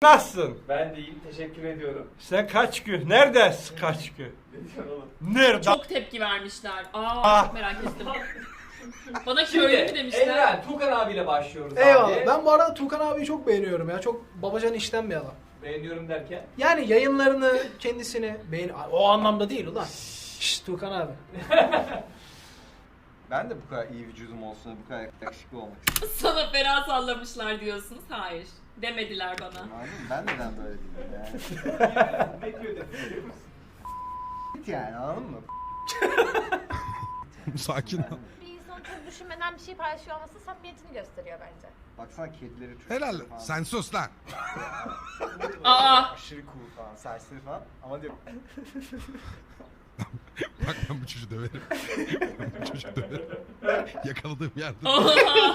Nasılsın? Ben de iyiyim, teşekkür ediyorum. Sen kaç gün? Neredesin kaç gün? Ne diyorsun oğlum? Nerede? Çok tepki vermişler. Çok merak ettim. Bana Şimdi köylü mü demişler? Evren, Tukan abiyle başlıyoruz Eyvallah. abi. Ben bu arada Tukan abiyi çok beğeniyorum ya. Çok babacan işten bir adam. Beğeniyorum derken. Yani yayınlarını, kendisini o anlamda değil ulan. Şşş Tukan abi. Ben de bu kadar iyi vücudum olsun, bu kadar yakışıklı olmak istiyorum. Sana fena sallamışlar diyorsunuz. Hayır. Demediler bana. Anladın mı? Ben neden böyle değilim yani? Ne diyor dedi biliyor musun? Yani anladın mı? Sakin ol. Bir insanın çok düşünmeden bir şey paylaşıyor olması samimiyetini gösteriyor bence. Baksana kedileri çok Helal. falan. Sen sus lan. Aşırı cool falan, serseri falan. Ama diyor Bak ben bu çocuğu döverim. Ben bu çocuğu döverim. Yakaladığım yerde. Oha!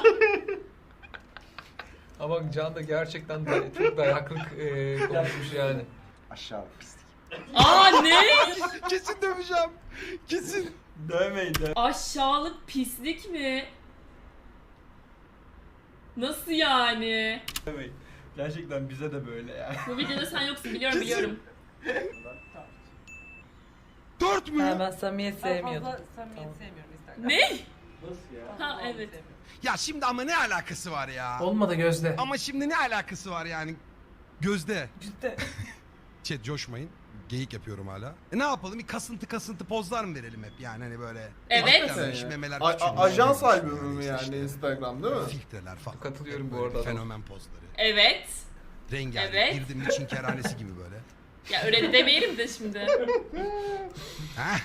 Ama Can da gerçekten de çok dayaklık konuşmuş yani. aşağı pislik. Ne? Kesin döveceğim. Kesin. Dövmeyin dövmeyin. Aşağılık pislik mi? Nasıl yani? Gerçekten bize de böyle yani. Bu videoda sen yoksun biliyorum. 4 mü? Ha, ben samimiyet sevmiyordum. Samimiyet sevmiyorum Instagram. Ne? Nasıl ya? Ha evet. Ya şimdi ama ne alakası var ya? Olmadı Gözde. Ama şimdi ne alakası var yani? Gözde. Cidden. Chat coşmayın. Geyik yapıyorum hala. Ne yapalım? Bir kasıntı pozlar mı verelim hep yani hani böyle. Evet. Hakikaten şu memeler Ajans küçülmüş, albümü mü işte yani işte. Instagram değil mi? Filtreler falan. Katılıyorum bu Böyle arada. Fenomen pozları. Evet. Rengarenk. Evet. Girdim için kerhanesi gibi böyle. Ya öyle de demeyelim de şimdi. Heh.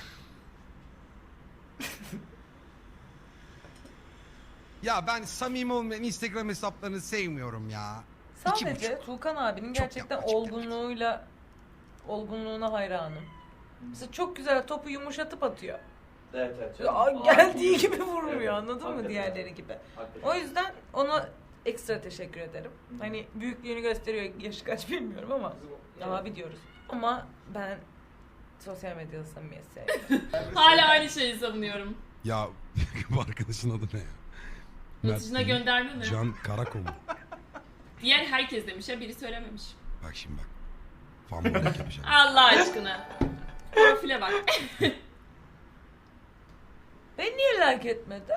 Ya ben samimi olmayan Instagram hesaplarını sevmiyorum ya. Sadece Tuğkan abinin Çok gerçekten yapmacık olgunluğuna hayranım. Mesela çok güzel topu yumuşatıp atıyor. Evet evet. Geldiği gibi vurmuyor, anladın mı Hakikaten. diğerleri gibi. Hakikaten. O yüzden ona ekstra teşekkür ederim. Hani büyüklüğünü gösteriyor, yaşı kaç bilmiyorum ama abi diyoruz. Ama ben sosyal medyada samimiyet sevmiyorum. Hala aynı şeyi savunuyorum. Ya bu arkadaşın adı ne ya? Yatışına Mert gönderme mi? Can Karakomu. Diğer herkes demiş ya, biri söylememiş. Bak şimdi bak. Fanboylik yapacağım. Allah aşkına. Profile bak. Beni niye like etmedi?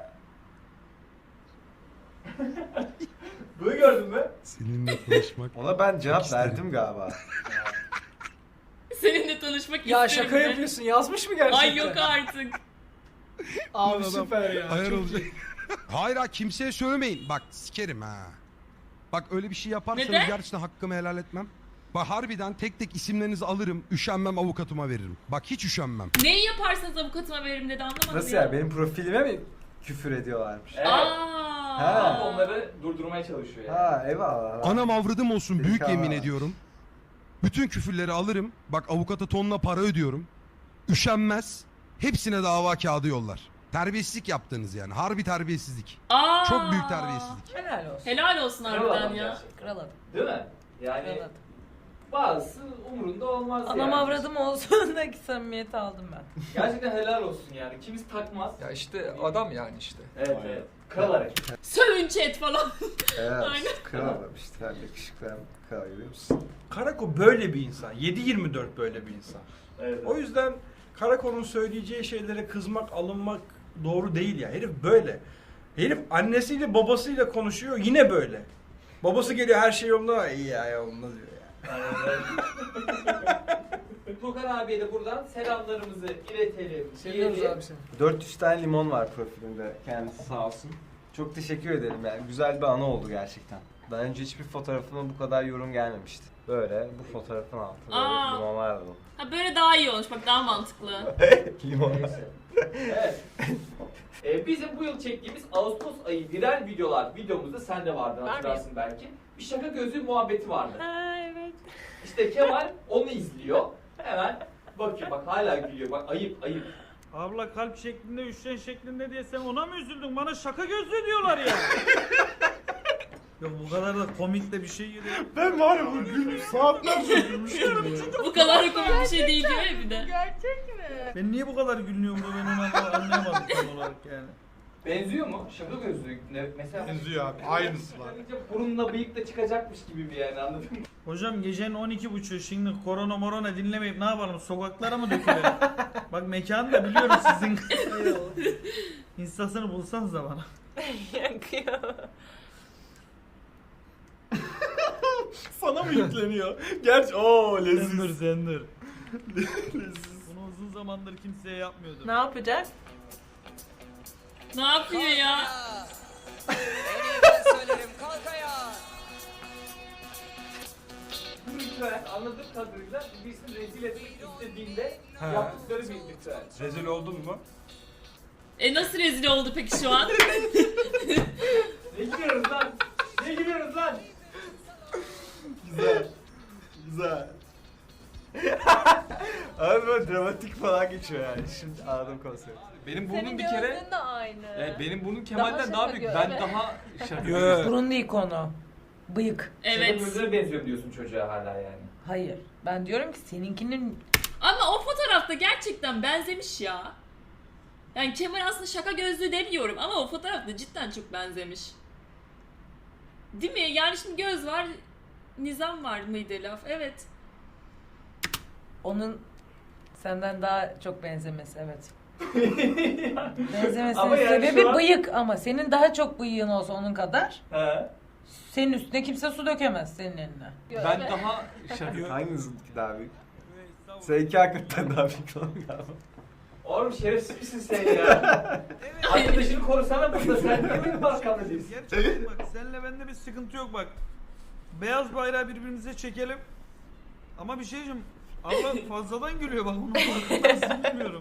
Bunu gördün mü? Seninle konuşmak. Ona ben cevap isterim. verdim galiba. Seninle tanışmak Ya isterim şaka de. yapıyorsun. Yazmış mı gerçekten? Ay yok artık. Abi Adam süper ya. Ayar Çok olacak. Hayır ha kimseye söylemeyin. Bak sikerim ha. Bak öyle bir şey yaparsanız Neden? gerçekten hakkımı helal etmem. Bak harbiden tek tek isimlerinizi alırım. Üşenmem avukatıma veririm. Bak hiç üşenmem. Neyi yaparsanız avukatıma veririm dedi, anlamadım Nasıl ya. ya? Benim profilime mi küfür ediyorlarmış? Evet. Ha. Onları durdurmaya çalışıyor yani. Ha eyvallah. Anam avradım olsun büyük Delikanlı. yemin ediyorum. Bütün küfürleri alırım. Bak avukata tonla para ödüyorum. Üşenmez. Hepsine dava kağıdı yollar. Terbiyesizlik yaptınız yani. Harbi terbiyesizlik. Çok büyük terbiyesizlik. Helal olsun. Helal olsun Kral harbiden adam ya. gerçekten. Kral adam. Değil mi? Yani Kral adam. bazısı umurunda olmaz Anam yani. avradım olsun da ki samimiyeti aldım ben. Gerçekten helal olsun yani. Kimisi takmaz. Ya işte adam yani işte. Evet evet. Kral hareket. Sövün chat falan. Evet. Aynen. Kral adam işte. Yakışıklı hem kral görüyor musun? Karako böyle bir insan. 7/24 böyle bir insan. Evet. O yüzden Karako'nun söyleyeceği şeylere kızmak, alınmak doğru değil ya. Herif böyle. Herif annesiyle babasıyla konuşuyor yine böyle. Babası geliyor her şey yolunda. İyi ya yolunda diyor ya. Tukan abiye de buradan selamlarımızı iletelim. Seviyoruz diyelim. abi seni. 400 tane limon var profilinde. Kendisi sağ olsun. Çok teşekkür ederim yani. Güzel bir anı oldu gerçekten. Daha önce hiçbir fotoğrafıma bu kadar yorum gelmemişti. Böyle bu fotoğrafın altında böyle limonlar dolu. Ha böyle daha iyi olmuş, bak daha mantıklı. Limon. Neyse. Evet. Bizim bu yıl çektiğimiz Ağustos ayı viral videomuzda sen de vardın, hatırlarsın belki. Bir şaka gözü muhabbeti vardı. Ha evet. İşte Kemal onu izliyor. Hemen bakıyor, bak hala gülüyor. Bak ayıp. Abla kalp şeklinde, üçgen şeklinde diye sen ona mı üzüldün? Bana şaka gözlü diyorlar ya. Yok bu kadar da komik de bir şey geliyor. Ben var ya bu gülmüş saatlerce gülmüştüm ya. Bu kadar komik bir şey değil diyor ya bir de. Gerçek mi? Ben niye bu kadar gülüyorum da ben onu anlayamadım tam olarak yani. Benziyor mu? Şaka gözlü. Mesela Benziyor abi. Aynısı var. burunla bıyık da çıkacakmış gibi bir yani, anladın mı? Hocam gecenin 12.30'u şimdi korona morona dinlemeyip ne yapalım? Sokaklara mı dökülelim? Bak mekanı da biliyorum sizin. Instasını bulsanız da bana. Yakıyor. Sana mı yükleniyor? Gerçi ooo leziz. Zendir. Bunu uzun zamandır kimseye yapmıyordum. Ne yapacağız? Ne yapıyor ya? Bu ritüel anladığım kadarıyla birisini rezil etmek istediğinde Ha. yaptıkları bir ritüel. Rezil oldun mu? Nasıl rezil oldu peki şu an? Ne gülüyoruz lan? Ne gülüyoruz lan? Güzel. Güzel. Abi böyle dramatik falan geçiyor yani. Şimdi anladım konsepti. Benim Senin burnum bir kere... gözlüğün de aynı. benim burnum Kemal'den şaka daha büyük. göz. Ben daha şaka. Yo. Burun değil konu. Bıyık. Evet. Evet. Gözlere benziyor diyorsun çocuğa hala yani. Hayır. Ben diyorum ki seninkinin Ama o fotoğrafta gerçekten benzemiş ya. Yani Kemal aslında şaka gözlü demiyorum ama o fotoğrafta cidden çok benzemiş. Değil mi? Yani şimdi göz var, nizam var mıydı laf? Evet. onun senden daha çok benzemesi, evet. Benzemesinin Ama yani sebebi şu an- bıyık ama senin daha çok bıyığın olsa onun kadar He. senin üstüne kimse su dökemez senin eline. Ben daha şaka. Hanginizinki daha büyük? Seninki hakikaten daha büyük olan galiba. Oğlum şerefsiz misin sen ya? Arkadaşını korusana burada, sen niye benim arkamda değilsin? Gerçekten bak seninle bende bir sıkıntı yok bak. Beyaz bayrağı birbirimize çekelim. Ama bir şey diyeceğim. Allah fazladan gülüyor bak, onu farkındasın, bilmiyorum.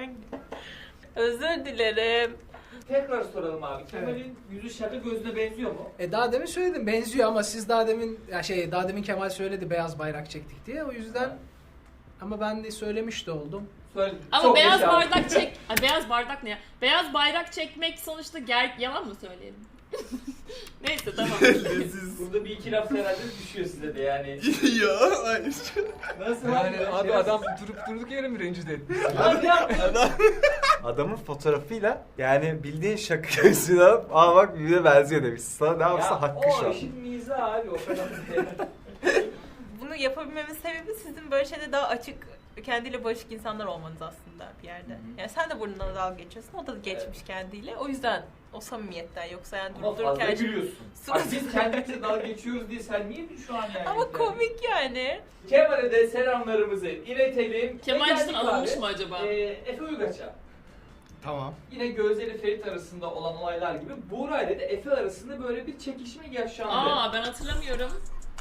Özür dilerim. Tekrar soralım abi. Kemal'in yüzü şaka gözüne benziyor mu? Daha demin söyledim benziyor ama siz daha demin daha demin Kemal söyledi beyaz bayrak çektik diye, o yüzden ama ben de söylemiş de oldum. Söyle. Ama çok beyaz yaşa. bardak çek... Ay, beyaz bardak ne ya? Beyaz bayrak çekmek sonuçta yalan mı söyleyelim? Neyse tamam. Leziz. Burada bir iki laf herhalde düşüyor size de yani. Ya hayır. Nasıl Yani abi? adam durduk yere mi rencide etti? Adamın fotoğrafıyla yani bildiğin şaka gözlüğünü alıp aa bak birbirine benziyor demiş. Sana ne yapsa hakkı şu O an. işin mizahı abi, o kadar. Bunu yapabilmemin sebebi sizin böyle şeyde daha açık, kendiyle barışık insanlar olmanız aslında bir yerde. Yani sen de burnundan dalga geçiyorsun, o da geçmiş kendiyle. O yüzden o samimiyetten, yoksa yani Ama durup fazla dururken... gülüyorsun. Bak biz kendimize dalga geçiyoruz diye sen niye şu an yani? Ama komik yani. Kemal'e de selamlarımızı iletelim. Kemal Geldik cidden alınmış abi. mı acaba? Efe Uygaç'a. Tamam. Yine Gözde ile Ferit arasında olan olaylar gibi Buğra ile de Efe arasında böyle bir çekişme yaşandı. Ben hatırlamıyorum.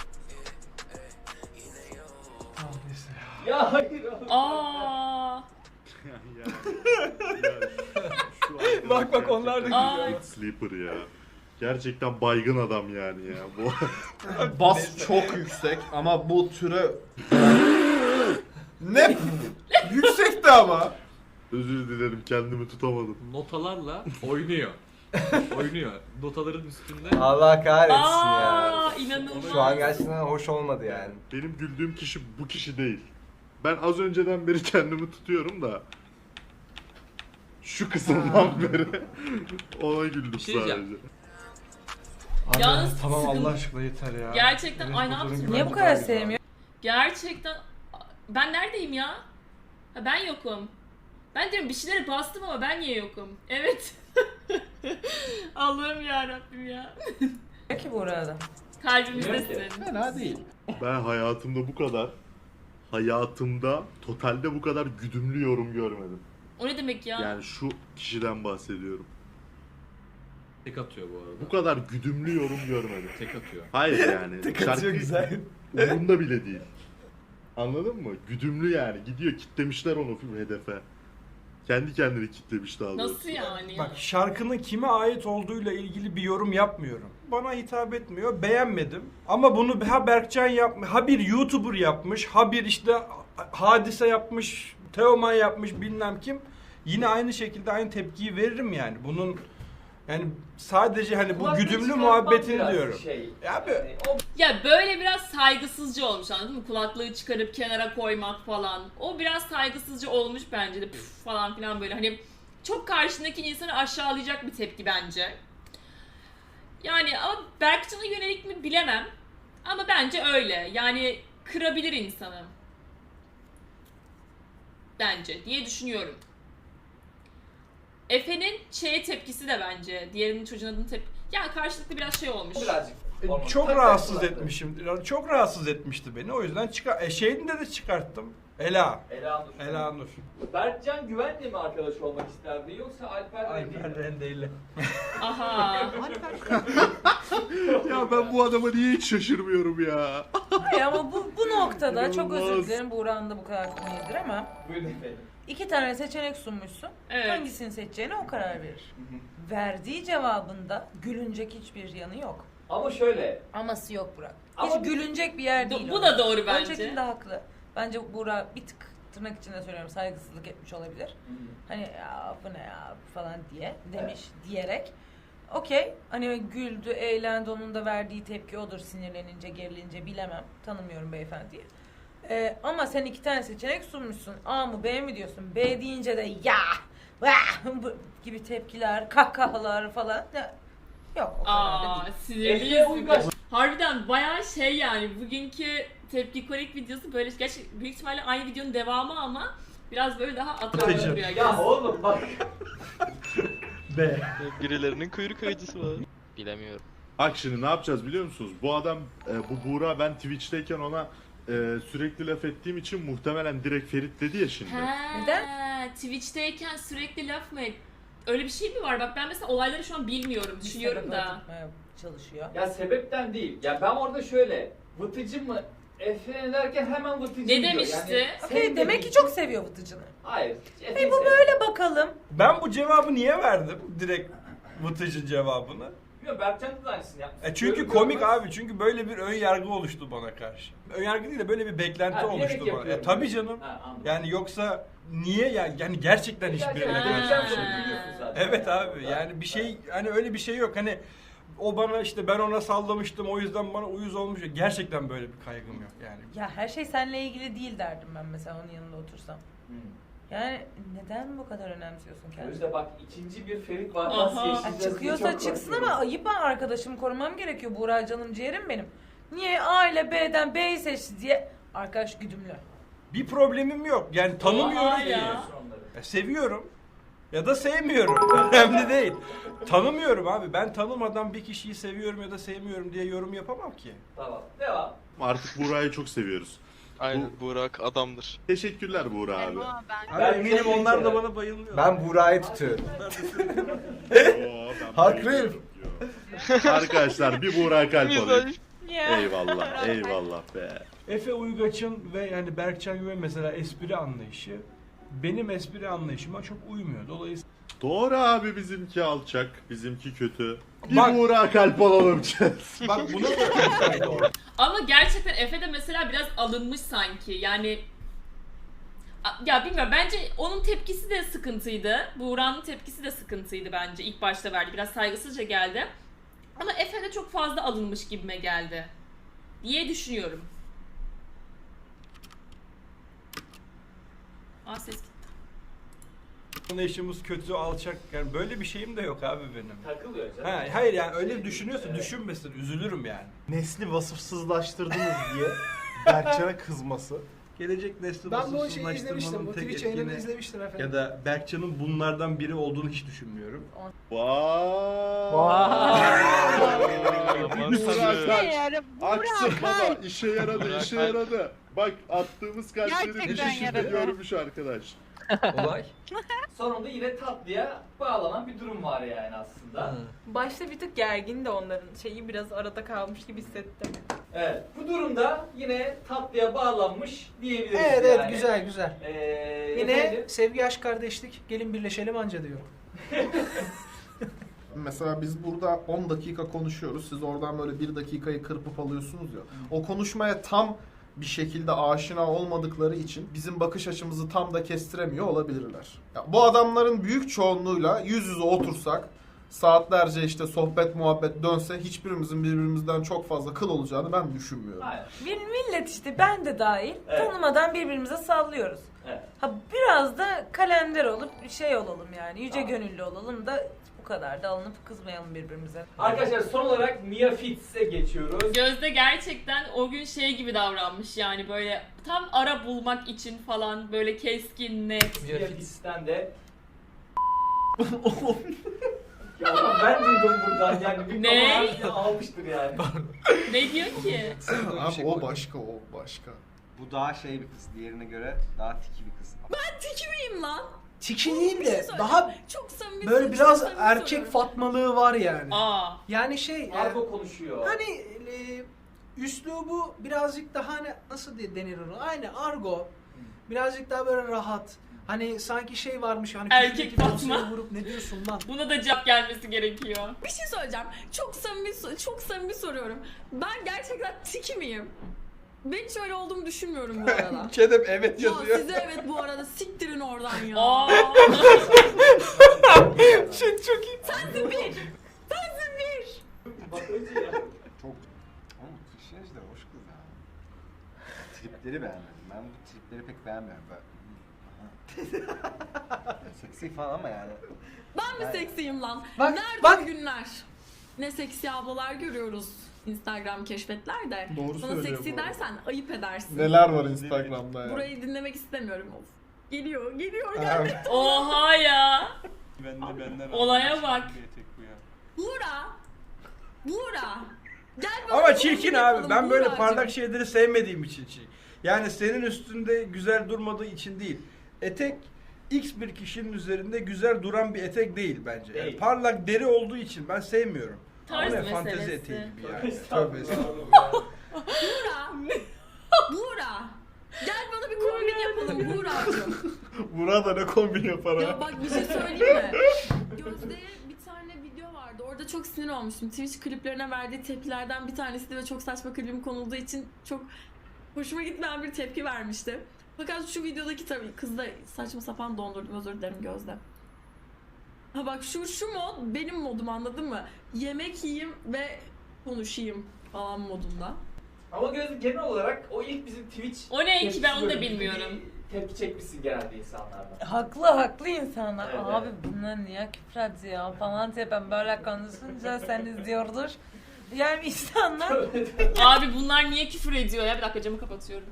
Ya hayır. Aa. Bak onlar da Aa. Sleeper ya. Gerçekten baygın adam yani ya. Bu Bas çok yüksek ama bu türe... Ne? Yüksekti ama. özür dilerim, kendimi tutamadım. notalarla oynuyor. Oynuyor. Notaların üstünde. Allah kahretsin ya. Aa, inanılmaz. Şu an gerçekten hoş olmadı yani. Benim güldüğüm kişi bu kişi değil. Ben az önceden beri kendimi tutuyorum da şu kısımdan beri ona güldüm Bir şey sadece. diyeceğim. Yalnız tamam sıkıntı- Allah aşkına yeter ya. Gerçekten Benim ay ne fotoğrafım yaptın? gibi Niye bu kadar fotoğraf gibi sevmiyor? Gerçekten ben neredeyim ya? Ha, ben yokum. Ben diyorum bir şeylere bastım ama ben niye yokum? Evet. Allah'ım ya Rabbim ya. Peki bu arada. Kalbimizdesin. Fena değil. Ben hayatımda totalde bu kadar güdümlü yorum görmedim. O ne demek ya? Yani şu kişiden bahsediyorum. Tek atıyor bu arada. Bu kadar güdümlü yorum görmedim. Tek atıyor. Hayır yani. Tek atıyor güzel. Umurunda bile değil. Anladın mı? Güdümlü yani. Gidiyor, kitlemişler onu hedefe. Kendi kendini kitlemiş daha doğrusu. Nasıl yani? Bak, şarkının kime ait olduğuyla ilgili bir yorum yapmıyorum. Bana hitap etmiyor, beğenmedim. Ama bunu ha Berkcan yapmış, ha bir YouTuber yapmış, ha bir işte Hadise yapmış, Teoman yapmış, bilmem kim. Yine aynı şekilde aynı tepkiyi veririm yani. Bunun yani sadece hani bu Kulaklığı güdümlü çıkartmak muhabbetini biraz diyorum. Şey, Ya be. yani o Ya böyle biraz saygısızca olmuş, anladın mı? Kulaklığı çıkarıp kenara koymak falan. O biraz saygısızca olmuş bence de, püf falan filan böyle hani çok karşındaki insanı aşağılayacak bir tepki bence. Yani ama Berkcan'a yönelik mi bilemem. Ama bence öyle. Yani kırabilir insanı. Bence diye düşünüyorum. Efe'nin tepkisi de bence. Diğerinin çocuğun adını yani karşılıklı biraz şey olmuş. Birazcık. Çok rahatsız etmişim. Çok rahatsız etmişti beni. O yüzden şeyini de çıkarttım. Ela Nur. Berkcan Güven'le mi arkadaş olmak isterdi yoksa Alper Rende'yle. Aha. Ya ben bu adama niye hiç şaşırmıyorum ya? Hayır ama bu noktada çok İnanılmaz. özür dilerim Buğra'nın da bu kadar konuyadır ama Buyurun efendim. 2 tane seçenek sunmuşsun. Evet. Hangisini seçeceğine o karar verir. Verdiği cevabında gülünecek hiçbir yanı yok. Ama şöyle. Aması yok Burak. Ama Hiç gülünecek bir yer değil. Bu da doğru bence. Öncekinde haklı. Bence Buğra bir tık tırnak içinde söylüyorum saygısızlık etmiş olabilir. Hani ya bu ne ya falan demiş diyerek. Okey. Hani güldü, eğlendi, onun da verdiği tepki odur sinirlenince, gerilince bilemem. Tanımıyorum beyefendiyi. Ama sen 2 tane seçenek sunmuşsun. A mı B mi diyorsun? B deyince de ya vah gibi tepkiler, kahkahalar falan. Yok o kadar da değil. Sinirliyiz. Harbiden bayağı şey yani bugünkü tepki kolik videosu böyle gerçi büyük ihtimalle aynı videonun devamı ama biraz böyle daha atraksiyonlu duruyor. Ya oğlum bak. B. Birilerinin kuyruk acısı var. Bilemiyorum. Bak şimdi ne yapacağız biliyor musunuz? Bu adam, bu Buğra, ben Twitch'teyken ona sürekli laf ettiğim için muhtemelen direkt Ferit dedi ya şimdi. Neden? Twitch'teyken sürekli laf mı et? Öyle bir şey mi var? Bak ben mesela olayları şu an bilmiyorum, düşünüyorum da. Çalışıyor. Ya sebepten değil. Ya ben orada şöyle vıtıcı mı Efe derken hemen vıtıcı Ne diyor. demişti? Yani Okey demek ki çok seviyor vıtıcını. Hayır. Hey bu böyle bakalım. Ben bu cevabı niye verdim? Direkt Vıtıcı cevabını. Bilmiyorum Berkcan da aynısını yapmış. Çünkü komik abi. Çünkü böyle bir ön yargı oluştu bana karşı. Ön yargı değil de böyle bir beklenti oluştu bana. Tabii canım. Yani yoksa niye yani gerçekten hiçbirine karşı bir şey değil. Evet abi yani bir şey hani öyle bir şey yok. Hani o bana işte ben ona sallamıştım o yüzden bana uyuz olmuş. Gerçekten böyle bir kaygım yok yani. Ya her şey seninle ilgili değil derdim ben mesela onun yanında otursam. Yani neden bu kadar önemsiyorsun kendini? İşte bak ikinci bir Ferit vakası yaşayacağız. Çıkıyorsa çıksın ama ayıp, ben arkadaşımı korumam gerekiyor. Buğra canım ciğerim benim. Niye A ile B'den B'yi seçti diye arkadaş güdümlü. Bir problemim yok. Yani tanımıyorum diye. Seviyorum. Ya da sevmiyorum. Önemli değil. Tanımıyorum abi. Ben tanımadan bir kişiyi seviyorum ya da sevmiyorum diye yorum yapamam ki. Tamam. Devam. Artık Buğra'yı çok seviyoruz. Aynen Burak adamdır. Teşekkürler Buğra abi. Abi eminim onlar da bana bayılıyor. Ben Buğra'yı tutuyorum. Haklıyım. Arkadaşlar bir Buğra kalp alayım. Ya. Eyvallah, eyvallah be. Efe Uygaç'ın ve yani Berkcan Güven mesela espri anlayışı benim espri anlayışıma çok uymuyor. Dolayısıyla Doğru abi, bizimki alçak, bizimki kötü. Bir Bak- Buğra kalp alalım. bak buna da doğru. Ama gerçekten Efe de mesela biraz alınmış sanki. Yani ya bilmiyorum bence onun tepkisi de sıkıntıydı. Buğra'nın tepkisi de sıkıntıydı bence. İlk başta verdi. Biraz saygısızca geldi. Ama Efe de çok fazla alınmış gibime geldi. Diye düşünüyorum. Ses gitti. Anlayışımız kötü, alçak. Yani böyle bir şeyim de yok abi benim. Takılıyor canım. Hayır yani öyle düşünüyorsa düşünmesin. Üzülürüm yani. Nesli vasıfsızlaştırdınız diye Berkcan'a kızması. Gelecek nesli Ben bu şeyi izlemiştim. vasıfsızlaştırmanın Bu tek Twitch yayınını etkini izlemiştim efendim. ya da Berkcan'ın bunlardan biri olduğunu hiç düşünmüyorum. Bir Buğra kalp. Aksın baba, işe yaradı, işe yaradı. Bak attığımız kalpleri bir Gerçekten şekilde yaradı. görmüş arkadaş. Olay. Sonunda yine tatlıya bağlanan bir durum var yani aslında. Başta bir tık gergin de onların şeyi biraz arada kalmış gibi hissettim. Evet. Bu durumda yine tatlıya bağlanmış diyebiliriz Evet yani. evet güzel güzel. Yine efendim? sevgi, aşk, kardeşlik, gelin birleşelim anca diyorum. Mesela biz burada 10 dakika konuşuyoruz. Siz oradan böyle 1 dakikayı kırpıp alıyorsunuz ya. O konuşmaya tam bir şekilde aşina olmadıkları için bizim bakış açımızı tam da kestiremiyor olabilirler. Ya bu adamların büyük çoğunluğuyla yüz yüze otursak saatlerce işte sohbet muhabbet dönse hiçbirimizin birbirimizden çok fazla kıl olacağını ben düşünmüyorum. Aynen. Bir millet işte ben de dahil Evet. tanımadan birbirimize sallıyoruz. Evet. Ha biraz da kalender olup şey olalım yani yüce Tamam. gönüllü olalım da bu kadar da alınıp kızmayalım birbirimize. Arkadaşlar son olarak Mia Fitz'e geçiyoruz. Gözde gerçekten o gün şey gibi davranmış yani böyle tam ara bulmak için falan böyle keskin, net. Mia Fitz'ten de ya ama ben duydum buradan yani bir Ne? kamerayı almıştır yani. Ne diyor ki? Abi o başka, o başka. Bu daha şey bir kız. Diğerine göre daha tiki bir kız. Ben tiki miyim lan? Tiki değil Bir de şey söyleyeceğim. daha çok samimi, böyle çok biraz samimi erkek soruyorum. fatmalığı var yani. Aa. Yani şey Argo konuşuyor. hani üslubu birazcık daha hani nasıl denir onu? Aynı argo. Birazcık daha böyle rahat. Hani sanki şey varmış hani Erkek küçükteki Fatma. dosya vurup ne diyorsun lan? Buna da cevap gelmesi gerekiyor. Bir şey söyleyeceğim. Çok samimi soruyorum. Ben gerçekten tiki miyim? Ben hiç öyle olduğumu düşünmüyorum bu arada. Kedem evet Ya yazıyor. size evet bu arada siktirin oradan ya. Aa. Çok iyi. Sensin bir. Sensin bir. Bak önce ya. Çok... Ama Trişej de hoş kız ya. Tripleri beğenmedim. Ben bu tripleri pek beğenmiyorum. Seksi falan ama yani. Ben mi seksiyim lan? Bak, Nerede bak. o günler? Ne seksi ablalar görüyoruz Instagram keşfetlerde. Doğru Bana söylüyor seksi bu arada. dersen ayıp edersin. Neler var Instagram'da ya. Burayı dinlemek istemiyorum. Of. Geliyor Ha, geldi. Oha ya. Benden Olaya bak. Buğra. Gel bana Ama bir çirkin kombin abi. yapalım Ben böyle Buğracığım. parlak şeyleri sevmediğim için çirkin. Yani senin üstünde güzel durmadığı için değil. Etek X bir kişinin üzerinde güzel duran bir etek değil bence. Yani Değil. parlak deri olduğu için ben sevmiyorum. Tarz Ama ne fantezi meselesi. eteği gibi yani. Estağfurullah. Tövbe estağfurullah. Buğra. Gel bana bir kombin yapalım Buğra'cığım. Burada ne kombin yapar Ya ha? bak bir şey söyleyeyim mi? Gözde'ye bir tane video vardı. Orada çok sinir olmuştum. Twitch kliplerine verdiği tepkilerden bir tanesiydi ve çok saçma klibim konulduğu için çok hoşuma gitmeyen bir tepki vermişti. Fakat şu videodaki tabii kız da saçma sapan dondurdum, özür dilerim Gözde. Ha bak şu mod benim modum, anladın mı? Yemek yiyeyim ve konuşayım falan modunda. Ama Gözde genel olarak o ilk bizim Twitch O ne ki tepkisi ben onu da bölümünde bilmiyorum. bir Tepki çekmişsin genelde insanlardan. Haklı insanlar. Evet, Abi evet. bunlar niye küfür ediyor falan diye ben böyle konuşunca sen izliyordur. Yani insanlar Abi bunlar niye küfür ediyor ya? Bir dakika camı kapatıyorum.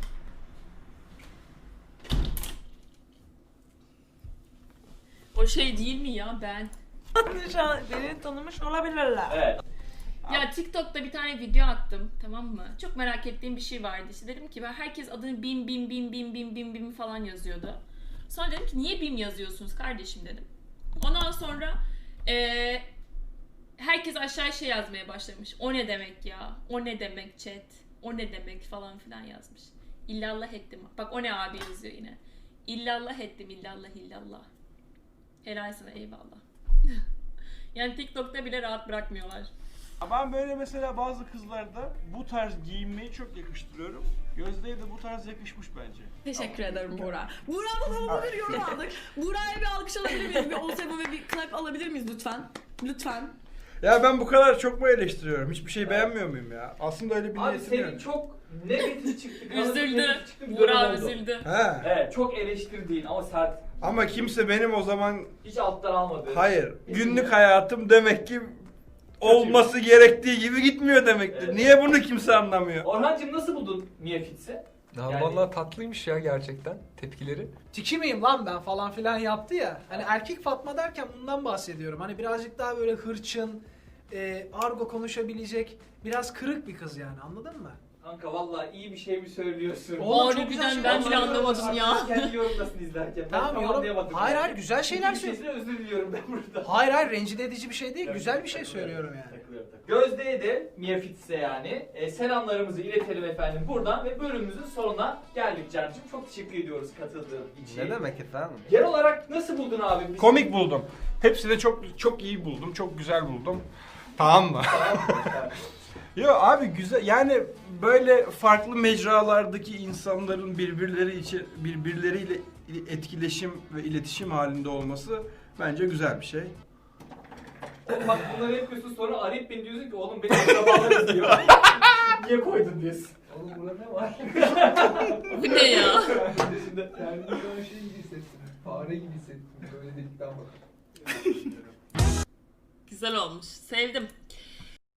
O şey değil mi ya ben? şu an beni tanımış olabilirler. Evet. Ya TikTok'ta bir tane video attım, tamam mı? Çok merak ettiğim bir şey vardı. İşte dedim ki ben herkes adını bim falan yazıyordu. Sonra dedim ki niye bim yazıyorsunuz kardeşim dedim. Ondan sonra herkes aşağı şey yazmaya başlamış. O ne demek ya? O ne demek chat? O ne demek falan filan yazmış. İllallah ettim. Bak o ne abi yazıyor yine. İllallah ettim, illallah. Helal sana, eyvallah. Yani TikTok'ta bile rahat bırakmıyorlar. Ben böyle mesela bazı kızlarda bu tarz giyinmeyi çok yakıştırıyorum. Gözde'ye de bu tarz yakışmış bence. Teşekkür ederim Buğra. Buğra'dan havalı bir yorum aldık. Buğra'ya bir alkış alabilir miyiz? Bir Osebo ve bir clap alabilir miyiz lütfen? Lütfen. Ya ben bu kadar çok mu eleştiriyorum? Hiçbir şey beğenmiyor muyum ya? Aslında öyle bir Abi niyetim senin yok. çok negatif çıktı. Üzüldü. negatif çıktı, bir Buğra dönem oldu. üzüldü. He. Evet, çok eleştirdiğin ama sert. Ama kimse benim o zaman Hiç alttan almadı. hayır. Günlük hayatım demek ki olması gerektiği gibi gitmiyor demektir. Evet. Niye bunu kimse anlamıyor? Orhancığım nasıl buldun Mia Fitz'i? Ya Yani- vallahi tatlıymış ya gerçekten tepkileri. Tiki miyim lan ben falan filan yaptı ya. Hani erkek Fatma derken bundan bahsediyorum. Hani birazcık daha böyle hırçın, argo konuşabilecek, biraz kırık bir kız yani, anladın mı? Kanka vallahi iyi bir şey mi söylüyorsun? Oğlum, çok Harbiden güzel şey ben bile var. anlamadım ya. Kendi yorumdasın izlerken. Ben Tamam, tam yorum- anlayamadım. Hayır, yani. hayır, güzel şeyler İkinci söyle. sesine özür diliyorum ben burada. Hayır rencide edici bir şey değil, Evet, güzel bir şey takılıyorum, söylüyorum yani. takılıyorum. Gözde'ye de Mia Fitz'e yani selamlarımızı iletelim efendim buradan ve bölümümüzün sonuna geldik Can'cığım. Çok teşekkür ediyoruz katıldığın için. Ne demek efendim? Genel olarak nasıl buldun abi? Biz- Komik buldum. Hepsini çok iyi buldum. Çok güzel buldum. Tamam mı? Yo abi güzel yani böyle farklı mecralardaki insanların birbirleriyle etkileşim ve iletişim halinde olması bence güzel bir şey. Oğlum bak bunları yapıyorsun sonra arayıp beni diyorsun ki oğlum benim akrabalar izliyor. Niye koydun diyorsun. Oğlum burada ne var? Bu ne ya? Şimdi Yani şu an şey gibi hissettim. Fare gibi hissettim. Böyle delikten bak. Güzel olmuş. Sevdim.